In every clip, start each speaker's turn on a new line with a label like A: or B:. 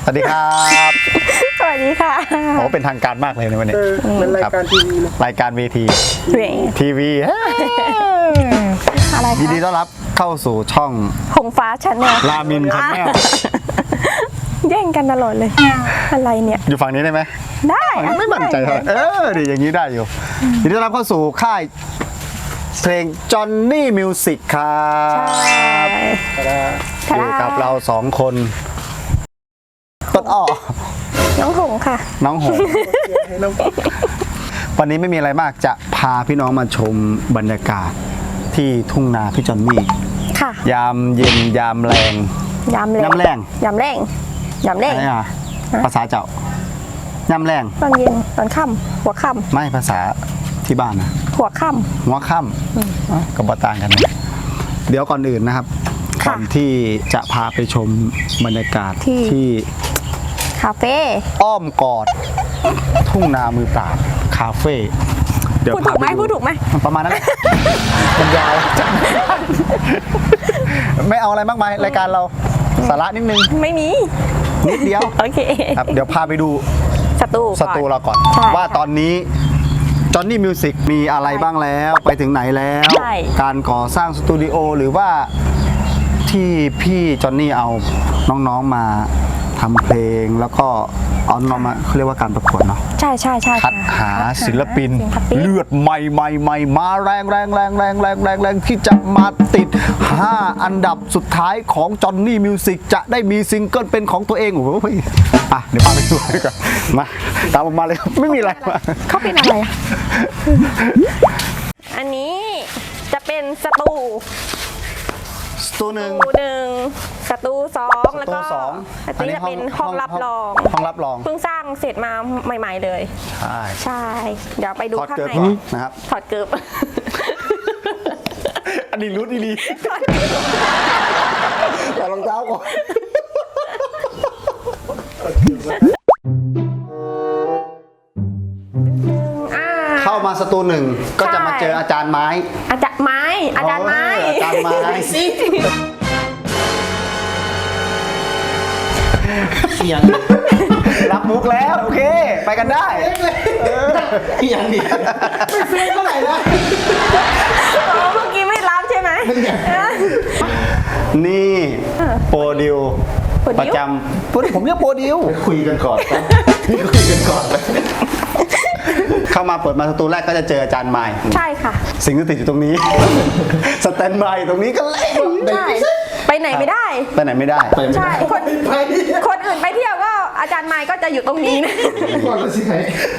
A: สวัสดีครับ
B: สวัสดีค่ะ
A: โอ้เป็นทางการมากเลยในวันนี้
C: เป็นรายการทีวีนะ
A: รายการเวที
B: เวง
A: ทีวี
B: อะไร
A: ยิน
B: คะ
A: ดีต้อนรับเข้าสู่ช่อง
B: หงฟ้าชั้นแนว
A: รามินชาแนล
B: แย่งกันตลอดเลย อะไรเนี่ย
A: อยู่ฝั่งนี้ได้ไหม
B: ได้
A: ไม่มั่นใจเท่าไหร่ดีอย่างนี้ได้อยู่ยินดีต้อนรับเข้าสู่ค่ายเพลงจอห์นนี่มิวสิกครับ อยู่กับเราสองคนต้นอ้อ
B: น้องหงค่ะ
A: น้องหง
C: ให้น้อง
A: วันนี้ไม่มีอะไรมากจะพาพี่น้องมาชมบรรยากาศที่ทุ่งนาพี่จอนนี่
B: ค่ะ
A: ยามเย็นยามแรง
B: ยำแรง
A: ยำแรง
B: ยำแรงยำแรง
A: อะไรอ่ะภาษาเจ้ายามแรง
B: ตอนเย็นตอนค่ำหัวค่
A: ไม่ภาษาที่บ้านนะ
B: ำหัวค่
A: หัวค่ำก็บ่ต่างกันนะเดี๋ยวก่อนอื่นนะครับ
B: ค่ะ
A: ก่อนที่จะพาไปชมบรรยากาศ
B: ที่
A: ที่
B: ำคาเฟ่
A: อ้อมกอด ทุ่งนามือปราบคาเฟ่เดี๋ยว
B: พูดถูกไหม
A: พาป
B: พูดถูกไหม
A: ประมาณนั้นแหละมันยาวจังไม่เอาอะไรมากมายรายการเราสาระนิดนึง
B: ไม่มี
A: นิดเดียว
B: โอเค
A: ครับเดี๋ยวพาไปดู
B: สตู
A: สตูเราก่อน
B: ใช่
A: ว่าตอนนี้จอห์นนี่มิวสิกมีอะไรบ้างแล้วไปถึงไหนแล้ว
B: ใช่
A: การก่อสร้างสตูดิโอหรือว่าที่พี่จอห์นนี่เอาน้องๆมาทำเพลงแล้วก็เอาน้องมาเขาเรียกว่าการประกวดเนาะ
B: ใช่ใช่ใช่
A: คัดหาศิลปิน
B: ศิลปิน
A: เลือดใหม่มาแรงที่จะมาติด 5 อันดับสุดท้ายของจอห์นนี่มิวสิกจะได้มีซิงเกิลเป็นของตัวเองโอ้โหอ่ะเดี๋ยวพาไปดูดีกว่ามาตามผมมาเลยครับไม่มีอะไรมา
B: เขาเป็นอะไรอะอันนี้จะเป็นสตู
A: สตูหนึ่ง
B: หนึ่งสตูสองแล้วก็
A: สอง
B: อันนี้จะเป็นห้องรับรอง
A: ห้องรับรอง
B: เพิ่งสร้างเสร็จมาใหม่ๆเลย
A: ใช่
B: ใช่ เดี๋ยวไปดู
A: ถอด
B: ข้าง
A: เกิบ
B: ใน
A: ก่อนนะครับ
B: ถอดเกิบ
A: อันนี้รู้ดีๆถอดรองเท้าก่อน
B: อ่า
A: เข้ามาสตูหนึ่งก็จะมาเจออาจารย์ไม้
B: อาจารย์ไม้ อาจารย์ไม้
A: อาจารย์ไม้สิ
C: อย่าง
A: รับมุกแล้วโอเค ไปกันได้
C: อย่างเดียวไม่เฟ้เท่าไหร่นะ
B: อ๋อเมื่อกี้ไม่รับใช่ไหม
A: นี่โปรดิว
B: โปรดิว
A: ประจำผมเรียกโปรดิว
C: คุยกันก่อนพี่คุยกันก่อนเลย
A: เข้ามาเปิดมาสตูแรกก็จะเจออาจารย์ไม้
B: ใช่ค่ะ
A: สิ่งที่ติดอยู่ตรงนี้ สแตนบายตรงนี้ก็เล่น
B: ใช่ ไปไหนไม่ได้
A: ไปไหนไม่ได้
B: ใช่ คน
C: ไป
B: คนอื่นไปเที่ยวก็อาจารย์ไม้ก็จะอยู่ตรงนี้นะ
C: ก่อนแล้วสิไหน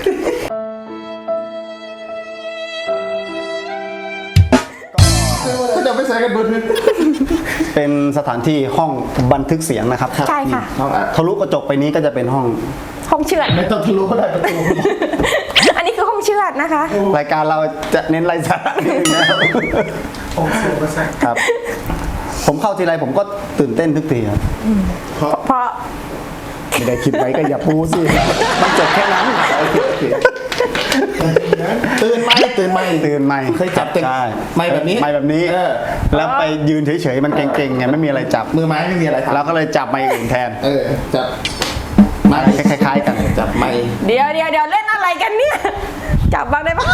C: ก็จะไม่ใส่กันเบอร์นึง
A: เป็นสถานที่ห้องบันทึกเสียงนะครับ
B: ใช่ค่ะ
C: ห้องอัด
A: ทะลุกระจกไปนี้ก็จะเป็นห้อง
B: ห้องเชือด
C: ไม่ต้องทะลุก็ได้ประตู
B: อันนี้คือห้องเชือดนะคะ
A: รายการเราจะเน้นไร้สาระนิดนึงนะครับ
C: ห้องเสือมาใส่
A: ครับ ผมเข้าทีไรผมก็ตื่นเต้นทุกทีครับ
B: เพราะ
A: ไม่ได้คิดไว้ก็อย่าพูดสิมันจบแค่นั้น
C: ตื่นไหมตื่นไหม
A: ตื่นใหม่
C: เคยจับแต่
A: ใช่
C: ไม้แบบนี้
A: ไม่แบบนี้
C: เออ
A: แล้วไปยืนเฉยๆมันเก่งๆไงไม่มีอะไรจับ
C: มือไม้ไม่มีอะไรทำ
A: เราก็เลยจับไม้อื่นแทน
C: จับไม้
A: คล้ายๆกัน
C: จับไม้
B: เดี๋ยวเล่นอะไรกันเนี่ย จับบ้างได้ปะ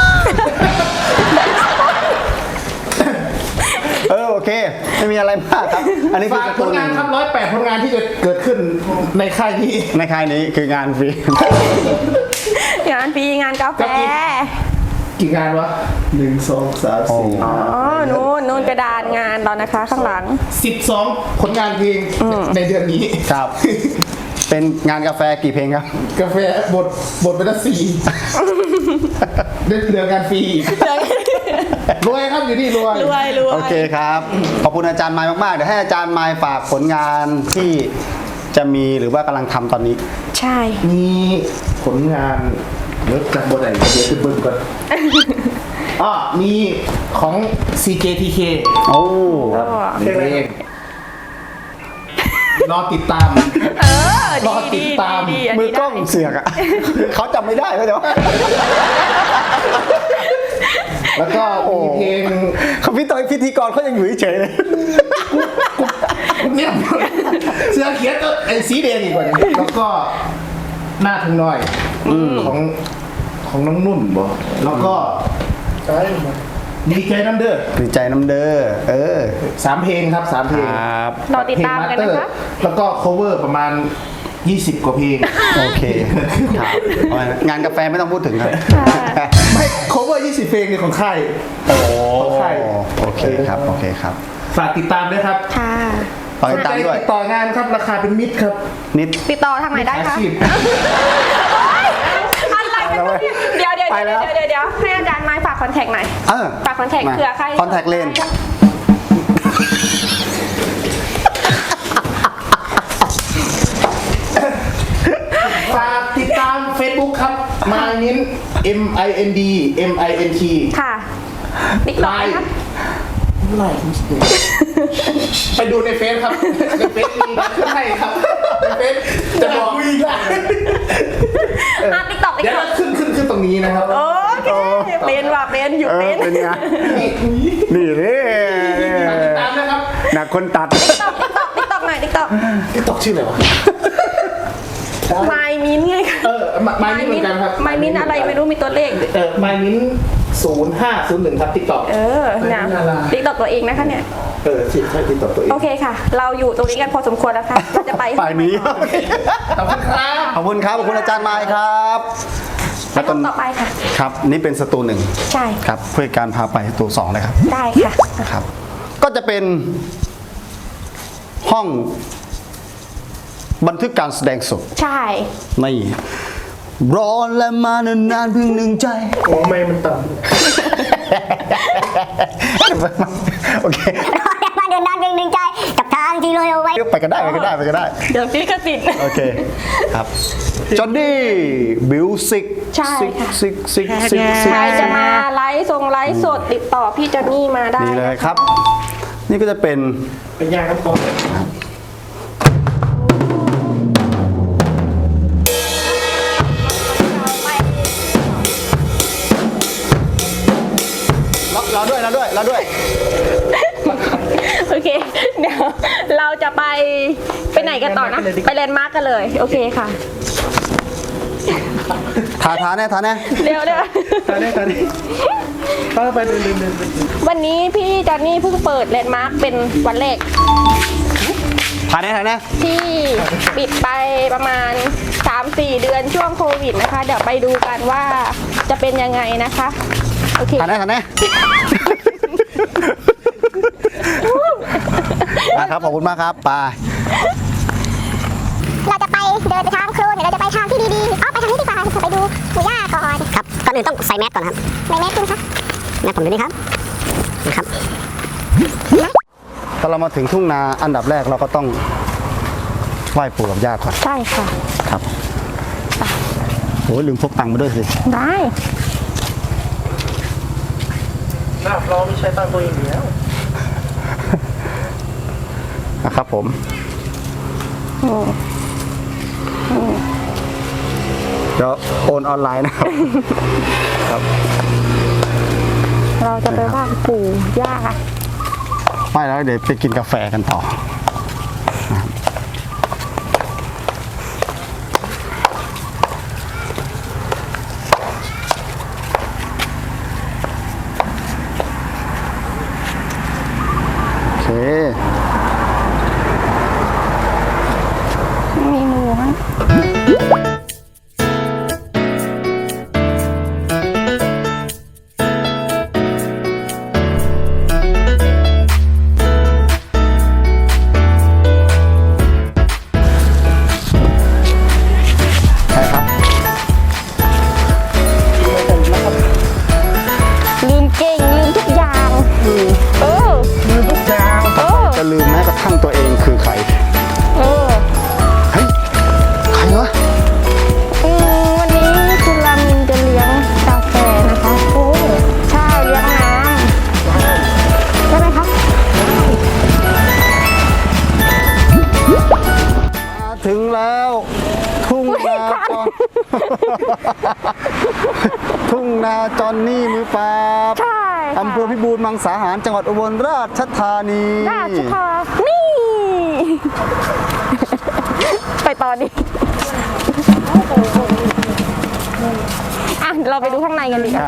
A: โอเค ไม่มีอะไรมากครับ อันนี้คือ
C: ฝาก
A: การ์
C: ผ
A: ตู
C: ล
A: น
C: งานครับ108ผลงานที่จะเกิดขึ้นในค่ายนี้
A: ในค่ายนี้คืองานฟรี
B: งานฟรีงานกาแฟ
C: กี่งานวะ1 2 3 4
B: อ๋อ นู่นกระดานงานเรานะคะ ข้างหลัง
C: 12ผลงานเพลงในเดือนนี้
A: ครับ เป็นงานกาแฟกี่เพลงครับ
C: กาแฟบทไปละ4เดือนงานฟรีรวยครับอยู่นี่รวย
B: รวย
A: โอเคครับ ขอบคุณอาจารย์ไมค์มากๆ เดี๋ยวให้อาจารย์ไมค์ฝากผลงานที่จะมีหรือว่ากำลังทำตอนนี้
B: ใช่
C: มีผลงานเดี๋ยวจับบทไหนเดี๋ยวขึ้นเบิ้งก่อนอ๋อมีของ CJTK
A: โอ้
C: ครับเพลงรอติดตาม รอติดตาม
B: ดี
A: มือกล้องเสือกอ่ะ เขาจำไม่ได้เขาจะว่า
C: แล้วก็มีเพลง
A: เขาพิธีกรเขายังอยู่เฉยๆเลย
C: กเนี่ยเสื้อเขียนก็ไอ้สีแดงอีกกว่านี้แล้วก็หน้าทุ่งน้อยของน้องนุ่นบ่แล้วก็ดีใจน้ำเด้อ
A: ดีใจน้ำเด้อ
C: 3 เพลงครับ3 เพลง
A: ครับ
B: รอติดตามกันนะคะ
C: แล้วก็ cover ประมาณ 20 กว่าเพลง
A: โอเคครับงานกาแฟไม่ต้องพูดถึงครับ
C: ไม่ cover 20 เพลงเนี่ยของค่าย
A: โอ้
C: ของค่าย
A: โอเคครับโอเคครับ
C: ฝากติดตามด้วยครับ
B: ค่ะ
A: ฝากติดตามด้วย
C: ติดต่องานครับราคาเป็นมิตรครับ
A: นิด
B: ติดต่อทางไหนได้
C: อา
B: คะ
C: ชีพ
B: อะไรกันวะเนี่ยเดี๋ยวให้อาจารย์ไม้ฝากคอนแทคหน่อยฝากคอนแทคเผื่อใคร
A: คอนแทคเลน
C: ฝากติดตาม Facebook ครับ Mind MIND
B: ค่ะติ๊กต็อกไหมคะ
C: ไลน์ไปดูในเฟซครับในเฟซมีขึ้นให้ครับในเฟซจะบอกอีกแล้ว
B: ติ๊กต็อก
C: เดี๋ยวเราขึ้นตรงนี้นะครับ
B: โอเคเป็นว่ะเป็นอยู่เป็น
A: เป็นไงนี่นี่
C: ติดตามนะครับ
A: หนักคนตัด
B: ติ๊กต็อกหน่อยติ๊กต็อก
C: ติ๊กต็อกชื่ออะไรวะ
B: ไมมินไงคะ
C: ไมมินเหมือนกันครับ
B: ไมมินอะไรไม่รู้มีตัวเลข
C: ไมมิน0501ครับติ๊กต็อก
B: นะติ๊กต็อกตัวเองนะคะเนี่ย
C: ใช่ติ๊กต็อกตัวเอง
B: โอเคค่ะ เราอยู่ตรงนี้กันพอสมควรแล้วค่ะเราจะไป
A: ฝ่ายนี้
C: ขอบคุณครับ
A: ขอบคุณครับขอบคุณอาจารย์ไม้ครับ
B: แล้วตอนต่อไปค่ะ
A: ครับนี่เป็นสตูหนึ่ง
B: ใช่
A: ครับเพื่อการพาไปสตู2เลยครับ
B: ได้ค่ะ
A: นะครับ ก็จะเป็นห้องบันทึกการแสดงสด
B: ใช่
A: นี่ร้อนและมานานๆเพียงหนึ่งใจ
C: โอ้ไม่มันต่
A: โอเค
D: มาเดินด้านเพียงหนึ่งใจกับทางที่ลอยเอาไว้
A: ไปกันได้ไปกันได้ไปกันได้
B: เดี๋ยวพี่กระติด
A: โอเคครับจอห์นนี่บิวสิก
B: ใช่ค่ะ
A: ซิก
B: ใครจะมาไลฟ์สดติดต่อพี่จอนนี่มาได้
A: นี่เลยครับ นี่ก็จะเป็น
C: ำเป็นยางน้ำกรอง
A: เราด้วย
B: โอเคเดี๋ยวเราจะไปไหนกันต่อนะไปแลนด์มาร์กกันเลยโอเคค่ะ
A: ทาแน่
B: เร็ว
C: ตอนนี้ไปเดิน
B: วันนี้พี่จอนนี่เพิ่งเปิดแลนด์มาร์กเป็นวันแรก
A: ทาแน่
B: ที่ปิดไปประมาณ 3-4 เดือนช่วงโควิดนะคะ เดี๋ยวไปดูกันว่าจะเป็นยังไงนะคะ โอเค
A: ทาแน่นะครับขอบคุณมากครับไป
D: เราจะไปเดินไปทางโคลนหรือเราจะไปทางที่ดีๆไปทางนี้ดีกว่าไปดูหมู่ย่าก่อนครับก่อนอื่นต้องใส่แมสก่อนครับใส่แมสคุณครับแมสผมดูนี่ครับนะครับ
A: ถ้าเรามาถึงทุ่งนาอันดับแรกเราก็ต้องไหว้ปู่กับย่าก่อน
B: ใช่ค่ะ
A: ครับโอ้ยลืมพกตังค์มาด้วยสิ
B: ได้
C: เราไม่ใช้ตังตัวเองแล้ว
A: นะครับผมเดี๋ยวโอนออนไลน์นะครับ ครับ
B: เราจะไปไหว้ปู่ย่า
A: ไม่แล้วเดี๋ยวไปกินกาแฟกันต่อนะครับโอเค
B: มีหมูไหม
A: ใช่ครับ
B: ลืมเก่งลืมทุกอย่าง
A: ลืมทุกอย่างจะลืมแม้กระทั่งตัวเองคือใคร เฮ้ย ใครวะ
B: วันนี้คุณรามินจะเลี้ยงกาแฟนะคะโอ้ใช่เลี้ยงน้ำใช่ไหมคะ
A: มาถึงแล้วทุ่งนาจอน ทุ่งนาจอนนี่มือปราบ
B: ใช่ค่ะ
A: อำเภอพิบูลมังสาหารจังหวัดอุบลราชธานี
B: ราชธานี่ไปต่อดิอ่ะเราไปดูข้างในกันดีกว่า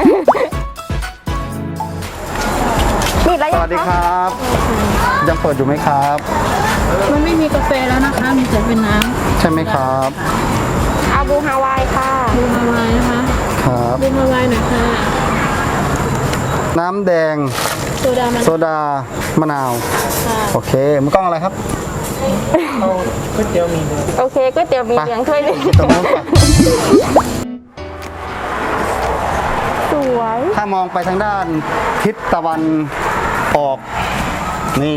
B: นี่แล้ว
A: ส
B: ยัง
A: วัสดีครับ ยังเปิดอยู่ไหมครับ
E: มันไม่มีกาแฟแล้วนะคะ มีแต่เป็นน้
A: ใช่ไหมครับ
B: อาบูฮาวายค่ะ
E: ำดูมาวายนะคะ
A: ครับ
E: ดูมาวายหน่อยค่ะ
A: น้ำแดง
E: โซดามัน
A: โซดามะนาว โอเคมือกล้องอะไรครับ
B: โอเคก๋วยเตี๋ยวมีเหลืองถ้วยหนึง
A: ตรงนู้นปะ
B: สวย
A: ถ้ามองไปทางด้านทิศตะวันออก นี่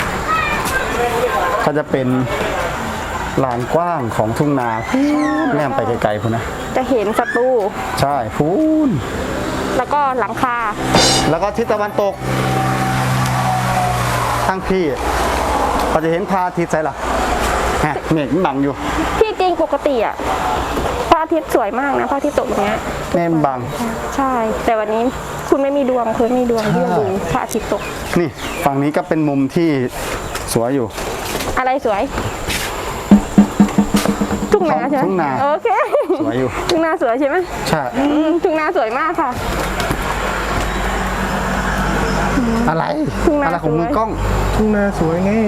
A: ก็จะเป็นลานกว้างของทุ่งนาแนมไปไกลๆพุ่นนะ
B: จะเห็นศัตรู
A: ใช่พูน
B: แล้วก็หลังคา
A: แล้วก็ทิศตะวันตกทางพี่ก็จะเห็นพระอาทิตย์ใช่หรอฮะเมฆมันบังอยู่
B: ที่จริงปกติอ่ะพระอาทิตย์สวยมากนะพระอาทิตย์ตกอย่างเงี้ย
A: เมฆมันบัง
B: ใช่ แต่วันนี้คุณไม่มีดวงคุณไม่มีดวงที่จะดูพระอาทิตย์ตก
A: นี่ฝั่งนี้ก็เป็นมุมที่สวยอยู่
B: อะไรสวย ทุ่งนาใช่ไหม
A: ทุ่งนา
B: โอเค
A: สวยอยู่
B: ทุ่งนาสวยใช่ไหม
A: ใช่
B: ทุ่งนาสวยมากค่ะ
A: อะไร
B: ทุ่งนา
A: อะไรของมือกล้อง
C: ทุ่งนาสวยไง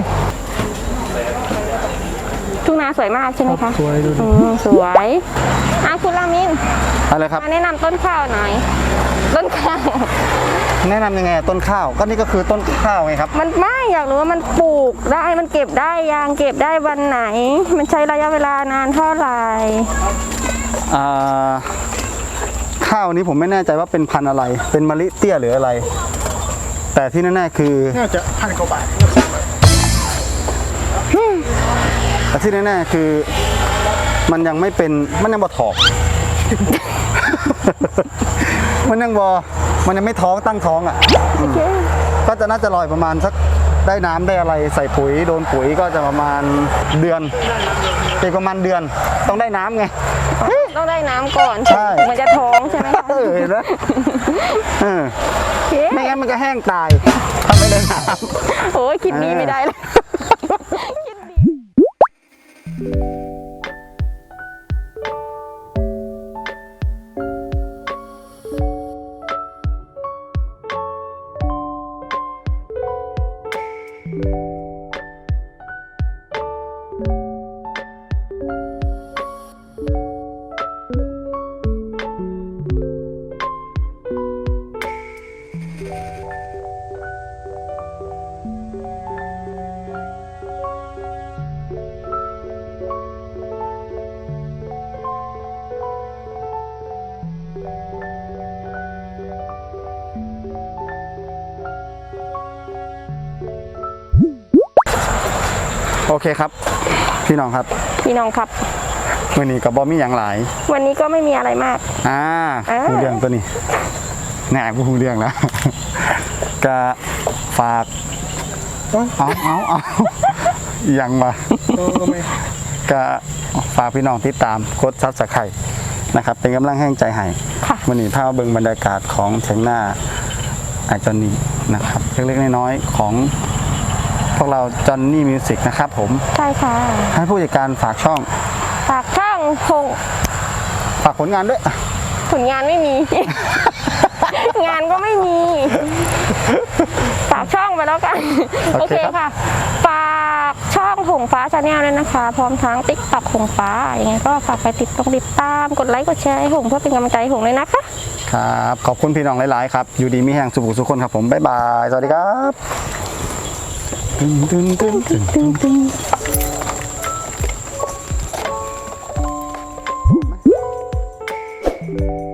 B: ทุ่งนาสวยมากใช่ไหมคะ
C: สวยดูดิ
B: สวยคุณรามิน
A: อะไรครับ
B: มาแนะนำต้นข้าวหน่อย ต้นข้าว
A: แนะนำยังไงต้นข้าวก็นี่ก็คือต้นข้าวไงครับ
B: มันไม่อยากรู้ว่ามันปลูกได้มันเก็บได้ยังเก็บได้วันไหน มันใช้ระยะเวลานานเท่าไหร่
A: ข้าวนี้ผมไม่แน่ใจว่าเป็นพันธุ์อะไร เป็นมะลิเตี้ยหรืออะไร แต่ที่แน่ๆคือ
C: น่าจะ1,000 กว่าบาท
A: แต่ที่แน่ๆคือมันยังไม่เป็นมันยังบ่ถอก มันยังไม่ท้องตั้งท้องอ่ะ
B: โอเค
A: ก็จะน่าจะลอยประมาณสักได้น้ำได้อะไรใส่ปุ๋ยโดนปุ๋ยก็จะประมาณเดือนอีกประมาณเดือนต้องได้น้ำไง
B: ต้องได้น้ำก่อน
A: ใช่
B: มันจะท้องใช่ไหมคะ
A: เห็นไหมเออ
B: โอเค
A: ไม่งั้นมันก็แห้งตายถ้าไม่ได้น้
B: โอ้ยคิดดีไม่ได้เลย
A: ำโอเคครับ พี่น้องครับ
B: พี่น้องครับ
A: วันนี้กับบอมี่อย่างหลาย
B: วันนี้ก็ไม่มีอะไรมาก
A: หูเรื่องตัวนี้แหน่กูหูเรื่องแล้ว ก็ฝากเอายังมาก็ฝากพี่น้องติดตามกดซับสไครต์นะครับ เป็นกำลังแห้งใจให้
B: ค่ะ
A: วันนี้พาเบิ่งบรรยากาศของเชียงหน้าอาจอนนี่นะครับเล็กๆน้อยๆของพวกเราจอนนี่มิวสิกนะครับผม
B: ใช่ค่ะ
A: ให้ผู้จัดการฝากช่อง
B: ฝากช่อง
A: ฝากผลงานด้วย
B: ผลงานไม่มี งานก็ไม่มี ฝากช่องไปแล้วกัน
A: โอ
B: โอ
A: เค
B: เค
A: ครับ
B: ค่ะ ฝากช่องหงฟ้าชาแนลด้วยนะคะ พร้อมทั้งติ๊กต็อกหงฟ้าอย่างไงก็ฝากไปติดตามกดไลค์กดแชร์ให้หงเพื่อเป็นกำลังใจให้หงเลยนะคะ
A: ครับ ขอบคุณพี่น้องหลาย ๆ ครับ อยู่ดีมีแห่งสุขสุขคนครับผม บ๊ายบาย สวัสดีครับตึ้ง